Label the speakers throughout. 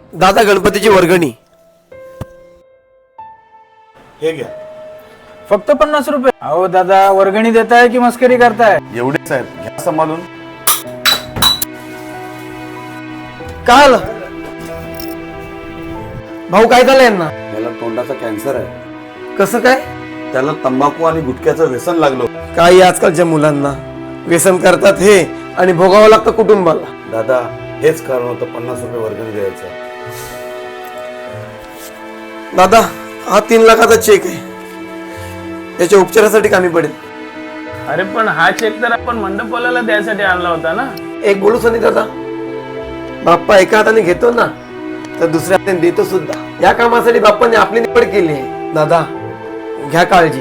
Speaker 1: दादा गणपतीची वर्गणी
Speaker 2: हे घ्या.
Speaker 3: फक्त 50 रुपये? अहो दादा, वर्गणी देताय की मस्करी करताय?
Speaker 2: एवढेच आहेत, घ्या सांभाळून.
Speaker 1: काय आलं भाऊ? काय झालं यांना?
Speaker 2: याला तोंडाचा कॅन्सर आहे.
Speaker 1: कसं काय?
Speaker 2: त्याला तंबाखू आणि गुटख्याचं व्यसन लागलं.
Speaker 1: काही आजकालच्या मुलांना व्यसन करतात हे आणि भोगावं लागतं कुटुंबाला.
Speaker 2: दादा, हेच कारण होतं 50 रुपये वर्गणी द्यायचं.
Speaker 1: दादा, हा 3 लाखाचा चेक आहे, त्याच्या उपचारासाठी कामी पडेल.
Speaker 3: अरे पण हा चेक तर आपण मंडपवाल्याला द्यायसाठी आणला होता ना.
Speaker 1: एक बोलू सनी दादा, बाप्पा एका हाताने घेतो ना तर दुसऱ्या हाताने देतो सुद्धा. या कामासाठी बाप्पाने आपली निवड केली आहे. दादा घ्या काळजी.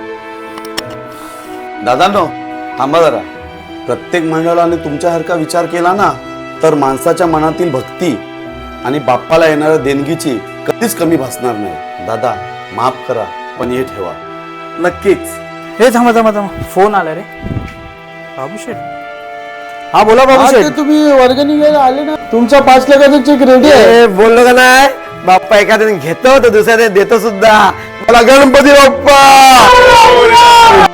Speaker 2: दादांनो, थांबा जरा. प्रत्येक मंडळाने तुमच्यासारखा विचार केला ना तर माणसाच्या मनातील भक्ती आणि बाप्पाला येणाऱ्या देणगीची कधीच कमी भासणार नाही. दादा, माफ करा, पण हे ठेवा.
Speaker 1: नक्कीच.
Speaker 3: हे थांबा, फोन आला रे. बाबूशेठ. हा बोला बाबूशेठ.
Speaker 4: तुम्ही वर्गणी घ्यायला आले ना, तुमचा 5 लाखाचा चेक रेडी आहे.
Speaker 1: बोललो का नाही, बाप्पा एखाद्याने घेतो तर दुसऱ्याने देतो सुद्धा. मला गणपती बाप्पा